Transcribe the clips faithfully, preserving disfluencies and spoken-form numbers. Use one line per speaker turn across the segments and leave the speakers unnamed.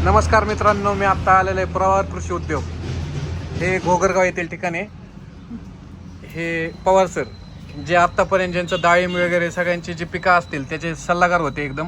नमस्कार मित्रांनो, मी आत्ता आलेलो आहे पवार कृषी उद्योग. हे घोगरगाव येथील ठिकाण आहे. हे पवार सर जे आत्तापर्यंत ज्यांचं डाळिंब वगैरे सगळ्यांची जी पिकं असतील त्याचे सल्लागार होते एकदम.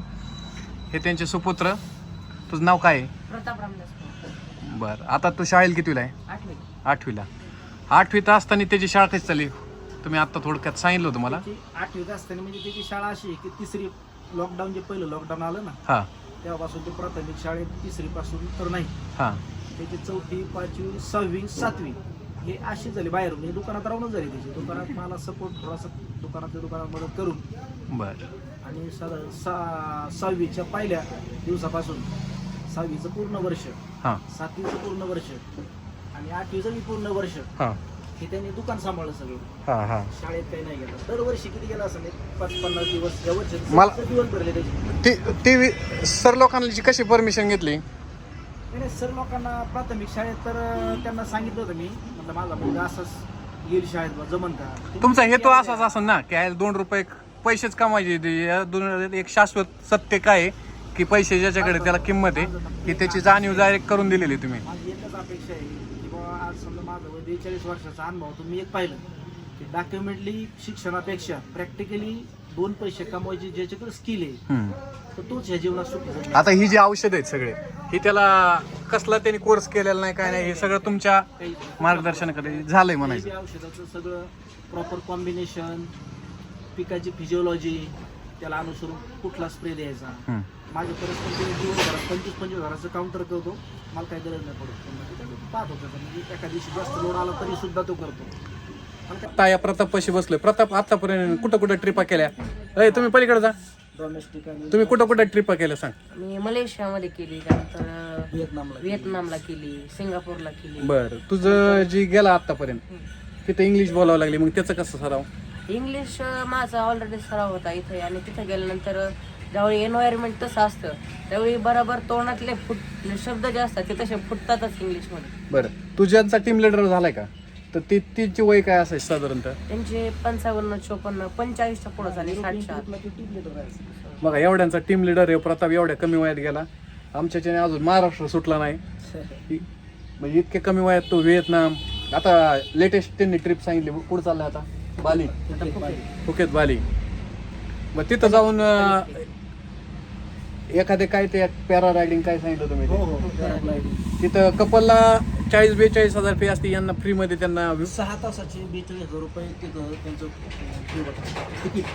हे त्यांचे सुपुत्र. तुझं नाव काय आहे?
प्रताप रामदास.
बरं, आता तू शाळेला कितवीला आहे?
आठवी.
आठवीला. आठवीत असताना त्याची शाळा कशी चालली? तुम्ही आत्ता थोडक्यात सांगितलं होतं मला.
आठवीत असताना म्हणजे त्याची शाळा अशी आहे की तिसरी लॉकडाऊन जे पहिलं लॉकडाऊन आलं ना
हां
तेव्हापासून ते प्राथमिक शाळेत तिसरी पासून तर नाही,
हां
त्याची चौथी पाचवी सहावी सातवी हे अशी झाली बाहेर, म्हणजे दुकानात राहूनच झाली त्याची. दुकानात मला सपोर्ट थोडासा दुकानातल्या दुकानात मदत करून
बरं.
आणि सर सा सहावीच्या पहिल्या दिवसापासून सहावीचं पूर्ण वर्ष,
हां
सातवीचं पूर्ण वर्ष आणि आठवीचं बी पूर्ण वर्ष
हां
हे त्यांनी दुकान सांभाळलं सगळं.
हां हां
शाळेत काही नाही गेलं. दरवर्षी किती गेला असेल एक पाच पन्नास दिवस या वर्षी
मला-
सत्तर दिवस भरले त्याचे.
ती टी व्ही सर लोकांची कशी परमिशन घेतली?
नाही नाही, सर लोकांना प्राथमिक शाळेत तर अं, त्यांना सांगितलं होतं मी, म्हटलं माझा मुलगा असंच येईल शाळेत बा, जमन का?
तुमचा हेतू असाच असेल ना की याला दोन रुपये पैसेच कमायचे. या दोन एक शाश्वत सत्य काय आहे की पैसे ज्याच्याकडे त्याला किंमत आहे की त्याची जाणीव डायरेक्ट करून दिलेली तुम्ही.
माझी एकच अपेक्षा आहे की बाबा आज समजा माझं वय बेचाळीस वर्षाचा अनुभव तुम्ही एक पाहिलं की डॉक्युमेंटली शिक्षणापेक्षा प्रॅक्टिकली दोन पैसे कमवायचे ज्याच्याकडे स्किल आहे
हम्म.
तर तोच ह्या जीवनात सुखी झाला.
आता ही जी औषध आहेत सगळे ही त्याला कसला त्यांनी कोर्स केलेला नाही काय नाही, हे सगळं तुमच्या
काही
मार्गदर्शनाकडे झालंय म्हणायचं.
हे औषधाचं सगळं प्रॉपर कॉम्बिनेशन, पिकाची फिजिओलॉजी, त्याला अनुसरून कुठला स्प्रे द्यायचा.
हम्म.
माझ्या परिस्थिती दिवसभरात पंचवीस पंचवीस हजाराचं काउंटर करतो, मला काही गरज नाही पडत. पण मग ते पाहत होतं म्हणजे एका दिवशी जास्त लोड आला तरी सुद्धा तो करतो. आणि काय
आता या प्रताप पशी बसलोय. प्रताप आतापर्यंत कुठं कुठं ट्रिपा केल्या? अय तुम्ही पलीकडे जा.
डोमेस्टिक आणि
तुम्ही कुठं कुठं ट्रिपा केल्या सांग.
मी मलेशियामध्ये केली, त्यानंतर
व्हिएतनामला
व्हिएतनामला केली, सिंगापूरला केली.
बरं, तुझं जी गेला आतापर्यंत तिथं इंग्लिश बोलावं लागली, मग त्याचं कसं सराव?
इंग्लिश अं, माझा ऑलरेडी सराव होता इथे, आणि तिथे गेल्यानंतर ज्यावेळी एन्व्हायरमेंट तसं असतं त्यावेळी बरोबर तोंडातले फुट शब्द जे असतात ते तसे फुटतातच इंग्लिशमध्ये.
बरं, तुझ्यांचा टीम लिडर झालाय का? तर ती तिची वय काय असायची साधारणतः?
त्यांचे पंचावन्न चोपन्न पंचेचाळीसच्या पुढे झाले, साठच्या आत.
बघा, एवढ्यांचा टीम लिडर आहे प्रताप. एवढ्या कमी वयात गेला. आमच्याच्याने अजून महाराष्ट्र सुटला नाही. इ- म्हणजे इतके कमी वयात तो व्हिएतनाम. आता लेटेस्ट त्यांनी ट्रिप सांगितली, कुठं चाललाय आता? बाली, फुकेत बाली. मग तिथं जाऊन अं, एखादे काय ते पॅरा रायडिंग काय सांगितलं तुम्ही
हो
ते?
हो पॅराग्लायडिंग.
तिथं कपलला चाळीस बेचाळीस हजार फी असते, यांना फ्री मध्ये त्यांना वि-
सहा तासाचे बेचाळीस हजार रुपये तिथं त्यांचं हे होतं तिकीट.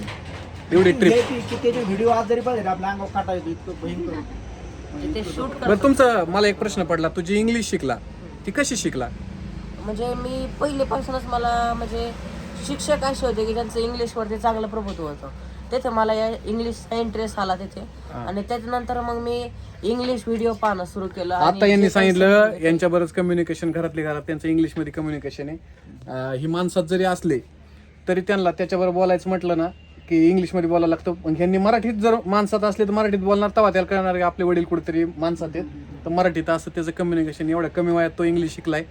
एवढी ट्रिप.
हे की- की त्याचे व्हिडिओ आज जरी पाहिजे ना, आपल्या अंगावर काटा येतो, इतकं भयंकर होतं.
म्हणजे ते शूट
बरं,
करतात.
तुमचं मला एक प्रश्न पडला. तुझी इंग्लिश शिकला ती कशी शिकला?
म्हणजे मी पहिलेपासूनच मला म्हणजे शिक्षक असे होते की ज्यांचं इंग्लिशवरती चांगलं प्रभुत्व होतं. तिथे मला या इंग्लिशचा इंटरेस्ट आला तिथे, आणि त्याच्यानंतर मग मी इंग्लिश व्हिडिओ पाहणं सुरू केलं. आणि
आता यांनी
जे काही
सांगितलं
समजलं
यांच्या बरंच कम्युनिकेशन घरातली घरात त्यांचं इंग्लिशमध्ये कम्युनिकेशन आहे. अं, ही माणसात जरी असले तरी त्यांना त्याच्याबरोबर बोलायचं म्हटलं ना की इंग्लिशमध्ये बोलायला लागतं. पण ह्यांनी मराठीत जर माणसात असले तर मराठीत बोलणार, तेव्हा त्याला कळणार की आपले वडील कुठेतरी माणसात आहेत. तर मराठीत असं त्याचं कम्युनिकेशन एवढ्या कमी वयात तो इंग्लिश शिकलाय.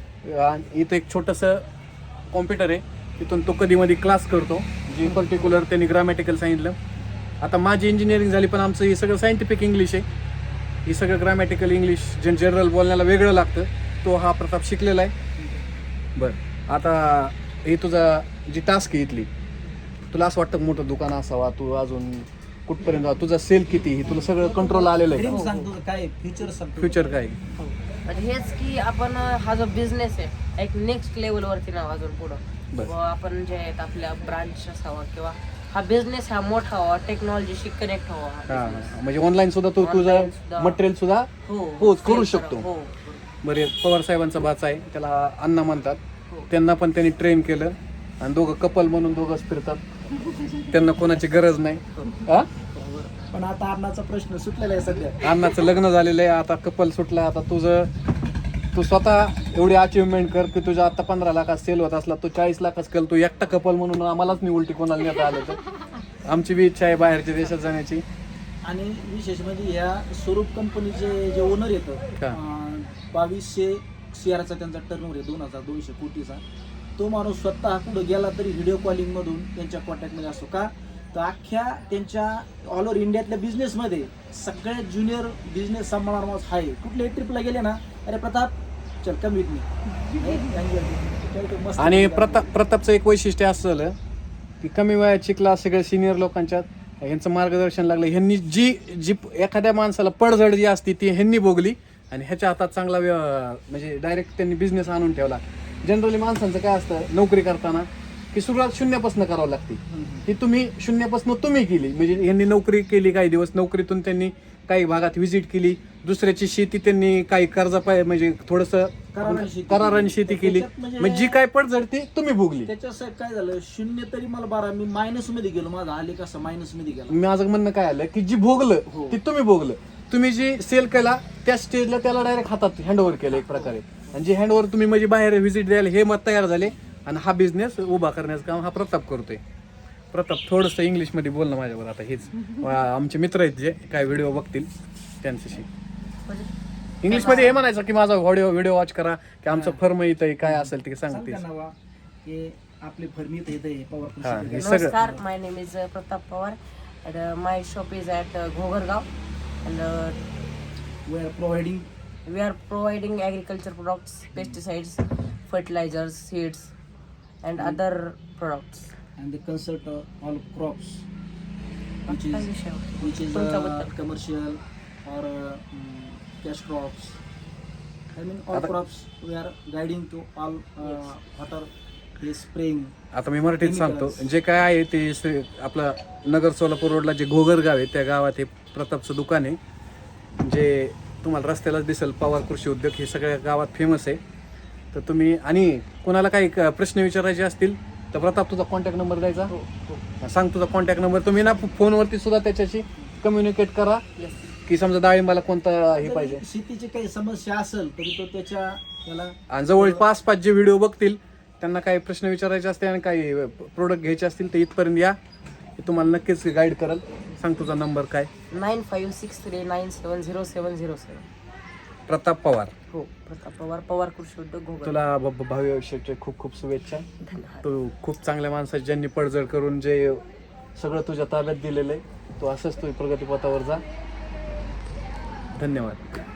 आणि इथं एक छोटंसं कॉम्प्युटर आहे, तिथून तो कधी मध्ये क्लास करतो. जी पर्टिक्युलर त्यांनी ग्रामॅटिकल सांगितलं. आता माझी इंजिनिअरिंग झाली पण आमचं हे सगळं सायंटिफिक इंग्लिश आहे. हे सगळं ग्रामॅटिकल इंग्लिश जे जनरल बोलण्याला वेगळं लागतं, तो हा प्रताप शिकलेला आहे. बरं, आता हे तुझा जी टास्क आहे इथली, तुला असं वाटतं मोठं दुकान असावा, तू अजून कुठपर्यंत जा, तुझा सेल किती, हे तुला सगळं कंट्रोल आलेलं
ड्रीम
आहे?
सांगतो काय फ्युचर सांगतो.
फ्युचर काय?
म्हणजे हेच की आपण हा जो बिझनेस आहे एक नेक्स्ट लेवलवरती ना अजून पुढं
बरं.
व आपण जे आहेत आपल्या ब्रांच असावा किंवा हा बिझनेस हा मोठा व्हावा, टेक्नॉलॉजीशी कनेक्ट व्हावा हा
हा,
business.
म्हणजे ऑनलाईन सुद्धा तू तुझं
Online सुद्धा.
मटेरियल सुद्धा
हो
पोच करू
sell
शकतो.
हो
बरे, पवार साहेबांचा भाचा आहे, त्याला अण्णा म्हणतात.
हो.
त्यांना पण त्यांनी ट्रेन केलं आणि दोघं कपल म्हणून दोघंच फिरतात. त्यांना कोणाची गरज नाही. हा,
पण आता अन्नाचा प्रश्न सुटलेला आहे सध्या.
अण्णाचं लग्न झालेलं आहे, आता कपल सुटला. आता तुझं तू स्वतः एवढी अचिव्हमेंट कर की तुझ्या आता पंधरा लाखात सेल होत असला, तू चाळीस लाखाच केलं. तू एकटा कपल म्हणून आम्हालाच नाही उलटी कोणाला नेता आलं तर. आमची बी इच्छा आहे बाहेरच्या देशात जाण्याची.
आणि विशेष म्हणजे ह्या स्वरूप कंपनीचे जे ओनर येतं,
का?
अं, बावीसशे शेअरचा त्यांचा टर्नओव्हर आहे, दोन हजार दोनशे कोटीचा. तो माणूस स्वतः कुठं गेला तरी व्हिडिओ कॉलिंग मधून त्यांच्या कॉन्टॅक्टमध्ये असतो. का तर अख्ख्या त्यांच्या ऑल ओव्हर इंडियातल्या बिझनेसमध्ये सगळ्यात ज्युनियर बिझनेस सांभाळणार माणूस आहे. कुठल्याही ट्रिपला गेले ना, अरे प्रताप चल कम विथ मी.
आणि प्रताप प्रतापचं एक वैशिष्ट्य असं झालं की कमी वयात शिकला, सगळ्या सिनियर लोकांच्यात यांचं मार्गदर्शन लागलं. ह्यांनी जी जी एखाद्या माणसाला पडझड जी असते ती ह्यांनी भोगली आणि ह्याच्या हातात चांगला व्य- म्हणजे डायरेक्ट त्यांनी बिझनेस आणून ठेवला. जनरली माणसांचं काय असतं नोकरी करताना की सुरुवात शून्यापासून करावं लागते. ही तुम्ही शून्यापासून तुम्ही केली. म्हणजे यांनी नोकरी केली काही दिवस, नोकरीतून त्यांनी काही भागात व्हिजिट केली, दुसऱ्याची शेती त्यांनी काही कर्जा पाय म्हणजे थोडंसं
कराराने शेती
कराराने शेती केली.
त्याच्यात म्हणजे-
म्हणजे जी काय पडझड ती तुम्ही भोगली.
त्याच्यासाठी काय झालं, शून्य तरी मला बारा, मी मायनस मध्ये गेलो, माझा आले कसं मायनस मध्ये गेला.
माझं म्हणणं काय आलं की जी भोगलं
हो.
ती तुम्ही भोगलं. तुम्ही जी सेल केला त्या स्टेजला त्याला डायरेक्ट हातात हँडओव्हर केलं एक प्रकारे. आणि जे हँडओव्हर तुम्ही म्हणजे बाहेर व्हिजिट द्यायला हे मत तयार झाले आणि हा बिझनेस उभा करण्याचं काम हा प्रताप करतोय. प्रताप थोडंसं इंग्लिशमध्ये बोलणं माझ्यावर आता हेच आमचे मित्र आहेत जे काय व्हिडिओ बघतील त्यांच्याशी इंग्लिशमध्ये हे म्हणायचं की माझा व्हिडिओ व्हिडिओ वॉच करा की आमचं फर्म इथं आहे, काय असेल ते सांगते.
सांग नावा की आपले फर्मीत येते पॉवर
हा,
कृषी.
हे सगळं
नमस्कार, my name is Pratap Pawar and uh, my shop is at uh, Ghoghargaon and uh,
We are providing
we are providing agriculture products, pesticides, fertilizers, seeds and other products.
and the consult uh, all crops which
काय
is
विषय होता?
which is uh,
तुमच्याबद्दल.
commercial or uh, mm, cash crops. I mean all
आता-
crops we are guiding to all uh, what are they spraying.
आता मी मराठीत सांगतो.
Chemicals.
जे काय आहे ते से- आपलं नगर सोलापूर रोडला जे घोगर गाव आहे त्या गावात हे प्रतापचं दुकान आहे. जे तुम्हाला रस्त्यालाच दिसेल पवार कृषी उद्योग हे सगळ्या गावात फेमस आहे. तर तुम्ही आणि कोणाला काही क- प्रश्न विचारायचे असतील तर प्रताप तुझा कॉन्टॅक्ट नंबर द्यायचा. सांग तुझा कॉन्टॅक्ट नंबर. तुम्ही ना फोनवरती सुद्धा त्याच्याशी कम्युनिकेट करा की समजा डाळिंबाला कोणता हे
जरी
पाहिजे.
शेतीची काही समस्या असेल तरी तो त्याच्या त्याला
आणि जवळ पाच पाच जे व्हिडिओ बघतील त्यांना काही प्रश्न विचारायचे असतील आणि काही प्रोडक्ट घ्यायचे असतील तर इथपर्यंत या, ते तुम्हाला नक्कीच गाईड करल. सांग तुझा नंबर काय.
Nine five six three nine seven zero seven zero seven.
Pratap Pawar.
हो, प्रताप पवार, पवार कृषी उद्योग घोगर.
तुला भ- भ- भावी आयुष्याचे खूप खूप शुभेच्छा.
धन्यवाद.
तू खूप चांगल्या माणसाची ज्यांनी पडझड करून जे सगळं तुझ्या ताब्यात दिलेलं आहे, तू असंच तू प्रगतीपथावर जा. धन्यवाद.